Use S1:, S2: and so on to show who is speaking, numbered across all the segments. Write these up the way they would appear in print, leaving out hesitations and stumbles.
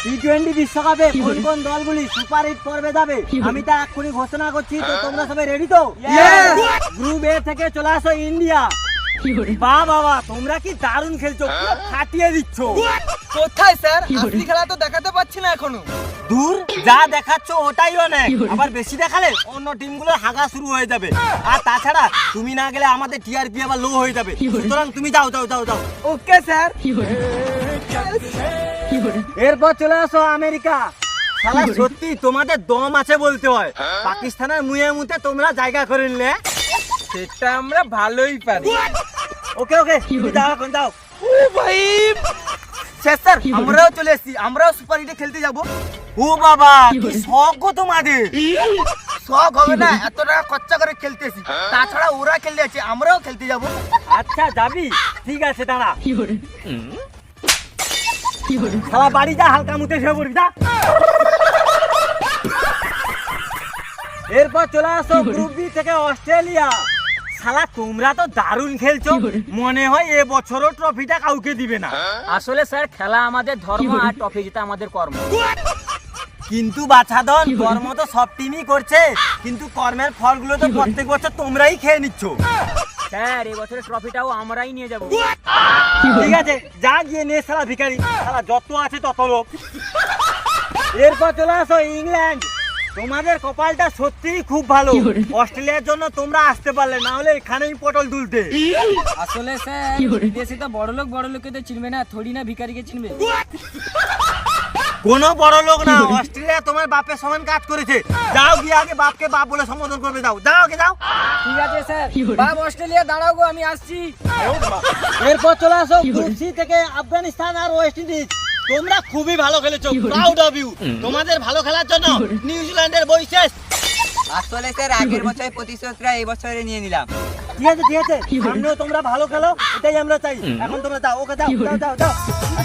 S1: টি-20 বিশ্বকাপে কোন কোন দলগুলি সুপার হিট পর্বে যাবে আমি তা এক্ষুনি ঘোষণা করছি। তো তোমরা সবাই রেডি তো? গ্রুপ এ থেকে চলে আসো ইন্ডিয়া। বাহ বাবা, তোমরা কি দারুণ খেলছো, পুরো ফাটিয়ে দিচ্ছ।
S2: কোথায় স্যার? আসলি খেলা তো দেখাতে পাচ্ছি না এখনো।
S1: দূর, যা দেখাচ্ছ ওটাই অনেক। আবার বেশি দেখালে অন্য টিমগুলোর হাগা শুরু হয়ে যাবে। আর তাছাড়া তুমি না গেলে আমাদের টিআরপি আবার লো হয়ে যাবে। সুতরাং তুমি যাও যাও যাও যাও।
S2: Okay sir.
S1: এরপর চলে আসো আমেরিকা। শালা সত্যি তোমাদের দম আছে বলতে হয়। পাকিস্তানের মুয়ে মুতে তোমরা জায়গা করে নিলে।
S2: সেটা আমরা ভালোই পারি।
S1: ওকে ওকে, তুমি যাও এখন যাও।
S2: ও ভাই স্যার, আমরাও চলে এসেছি, আমরাও সুপার হিটে খেলতে যাব।
S1: ও বাবা, কি শখ গো তোমাদের।
S2: শখ হবে না, এত টাকা খরচা করে খেলতেছি। তাছাড়া ওরা খেলতে আছে, আমরাও খেলতে যাব।
S1: আচ্ছা যাবি, ঠিক আছে দাঁড়া। শালা বাড়ি যা, হালকা মুতে শুয়ে পড়বি যা। এরপর চলে আসো গ্রুপ বি থেকে অস্ট্রেলিয়া। শালা তোমরা তো দারুণ খেলছো, মনে হয় এবছরও ট্রফিটা কাউকে দিবে না।
S3: আসলে স্যার খেলা আমাদের ধর্ম আর ট্রফি জেতা আমাদের কর্ম।
S1: কিন্তু বাছাধন, কর্ম তো সব টিমই করছে, কিন্তু কর্মের ফলগুলো তো প্রত্যেক বছর তোমরাই খেয়ে নিচ্ছ।
S3: স্যার এই বছরের ট্রফিটাও আমরাই নিয়ে যাব।
S1: ঠিক আছে, যা গিয়ে নে শালা ভিখারি, শালা যত আছে তত লোক। এরপর চলে আসো ইংল্যান্ড। তোমাদের কপালটা সত্যিই খুব ভালো, অস্ট্রেলিয়ার জন্য তোমরা আসতে পারলে, না হলে এখানেই পটল তুলতে।
S3: আসলে স্যার বিদেশে তো বড় লোকেদের চিনবে না, থোড়ি না ভিখারিকে চিনবে।
S1: কোনো বড় লোক না, অস্ট্রেলিয়া তোমার বাপের সমান কাজ করেছে। যাও গিয়ে আগে বাপকে বাপ বলে সম্বোধন করবে, যাও যাও আগে যাও।
S3: ঠিক আছে স্যার। বাপ অস্ট্রেলিয়া দাঁড়াও গো, আমি আসছি।
S1: এরপর চলে আসো গ্রুপ সি থেকে আফগানিস্তান আর ওয়েস্ট ইন্ডিজ। তোমরা খুবই ভালো খেলেছো, প্রাউড অফ ইউ। তোমাদের ভালো খেলার জন্য নিউজিল্যান্ডের বই শেষ।
S2: আসলে স্যার আগের বছরের প্রতিশোধটা এই বছরে নিয়ে নিলাম।
S1: ঠিক আছে ঠিক আছে, সামনেও তোমরা ভালো খেলো, এটাই আমরা চাই। এখন তোমরা যাও, ওকে যাও যাও যাও যাও।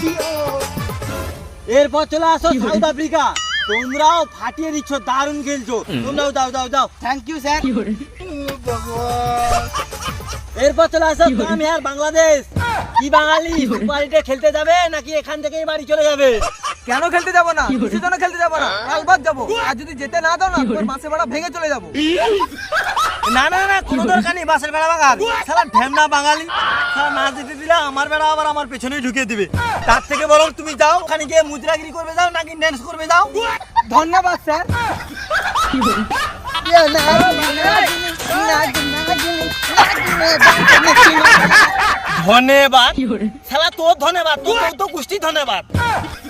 S1: এরপর চলে আসো সাউথ আফ্রিকা। তোমরাও ফাটিয়ে দিচ্ছ, দারুণ খেলছো, তোমরাও যাও যাও যাও।
S2: Thank you sir.
S1: এরপর চলে আসো আর বাংলাদেশ। কি বাঙালি সুপার হিটে খেলতে যাবে নাকি এখান থেকেই বাড়ি চলে যাবে?
S2: কেন খেলতে যাব না? কিসের জন্য খেলতে যাব না? কালবাদ যাব। আর যদি যেতে না দাও না, তোর মাসে ভাড়া ভেঙে চলে যাব।
S1: না না না, কোনো দরকার নেই বাসের বেড়া ভাঙার। শালা ঢ্যামনা বাঙালি, শালা না যেতে দিলে আমার বেড়া আবার আমার পেছনেই ঢুকিয়ে দিবে। তার থেকে বরং তুমি যাও, ওখানে গিয়ে মুদ্রাগিরি করবে যাও, নাকি ড্যান্স করবে যাও।
S2: ধন্যবাদ স্যার।
S1: ধন্যবাদ শালা, তোর ধন্যবাদ, তোর তো গোষ্ঠী ধন্যবাদ।